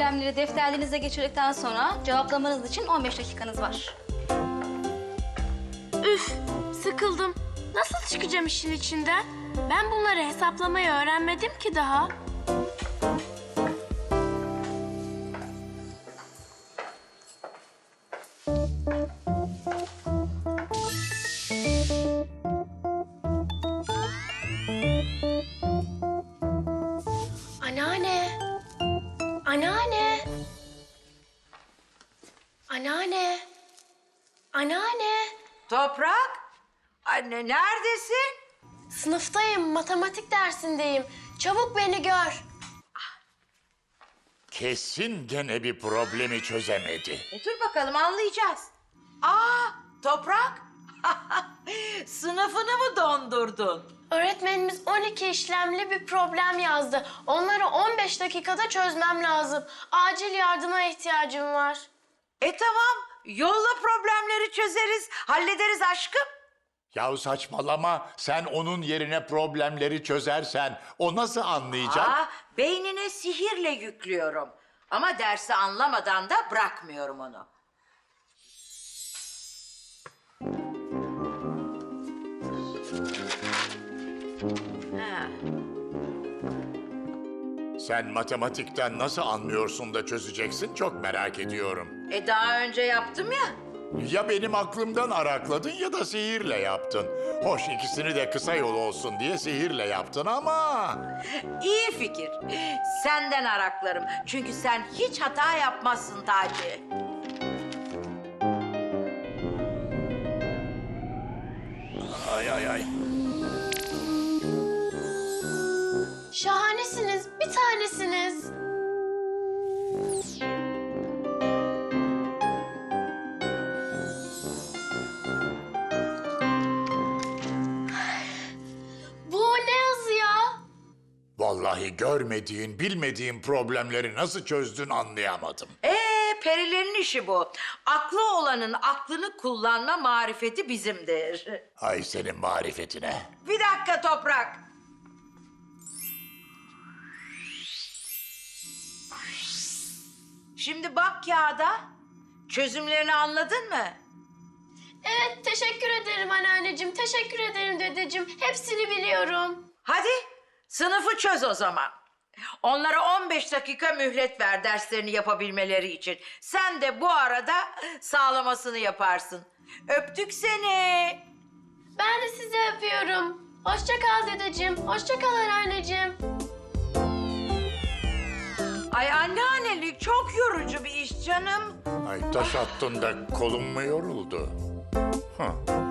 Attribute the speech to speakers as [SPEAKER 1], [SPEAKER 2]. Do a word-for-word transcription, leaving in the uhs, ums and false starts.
[SPEAKER 1] problemleri defterlerinize geçirdikten sonra cevaplamanız için on beş dakikanız var.
[SPEAKER 2] Üf, sıkıldım. Nasıl çıkacağım işin içinden? Ben bunları hesaplamayı öğrenmedim ki daha. Anneanne. Anneanne. Anneanne. Anneanne.
[SPEAKER 3] Toprak, anne neredesin?
[SPEAKER 2] Sınıftayım, matematik dersindeyim. Çabuk beni gör.
[SPEAKER 4] Kesin gene bir problemi çözemedi.
[SPEAKER 3] E dur bakalım anlayacağız. Aa, Toprak, sınıfını mı dondurdun?
[SPEAKER 2] Öğretmenimiz on iki işlemli bir problem yazdı. Onları on beş dakikada çözmem lazım. Acil yardıma ihtiyacım var.
[SPEAKER 3] E tamam, yolla problemleri çözeriz, hallederiz aşkım.
[SPEAKER 4] Yahu saçmalama, sen onun yerine problemleri çözersen o nasıl anlayacak?
[SPEAKER 3] Aa, beynine sihirle yüklüyorum. Ama dersi anlamadan da bırakmıyorum onu. Ha.
[SPEAKER 4] Sen matematikten nasıl anlıyorsun da çözeceksin çok merak ediyorum.
[SPEAKER 3] E daha önce yaptım ya.
[SPEAKER 4] Ya benim aklımdan arakladın ya da sihirle yaptın. Hoş ikisini de kısa yol olsun diye sihirle yaptın ama...
[SPEAKER 3] İyi fikir. Senden araklarım. Çünkü sen hiç hata yapmazsın Taci.
[SPEAKER 4] Ay ay ay.
[SPEAKER 2] Şahanesiniz, bir tanesiniz. Bu ne yazı ya?
[SPEAKER 4] Vallahi görmediğin, bilmediğin problemleri nasıl çözdün anlayamadım.
[SPEAKER 3] Ee, perilerin işi bu. Aklı olanın aklını kullanma marifeti bizimdir.
[SPEAKER 4] Ay senin marifetine.
[SPEAKER 3] Bir dakika Toprak. Şimdi bak kağıda. Çözümlerini anladın mı?
[SPEAKER 2] Evet, teşekkür ederim anneanneciğim, teşekkür ederim dedeciğim. Hepsini biliyorum.
[SPEAKER 3] Hadi sınıfı çöz o zaman. Onlara on beş dakika mühlet ver derslerini yapabilmeleri için. Sen de bu arada sağlamasını yaparsın. Öptük seni.
[SPEAKER 2] Ben de sizi öpüyorum. Hoşça kal dedeciğim, hoşça kal anneanneciğim.
[SPEAKER 3] Ay anneannelik çok yorucu bir iş canım.
[SPEAKER 4] Ay taş attın da kolun mu yoruldu? Hı.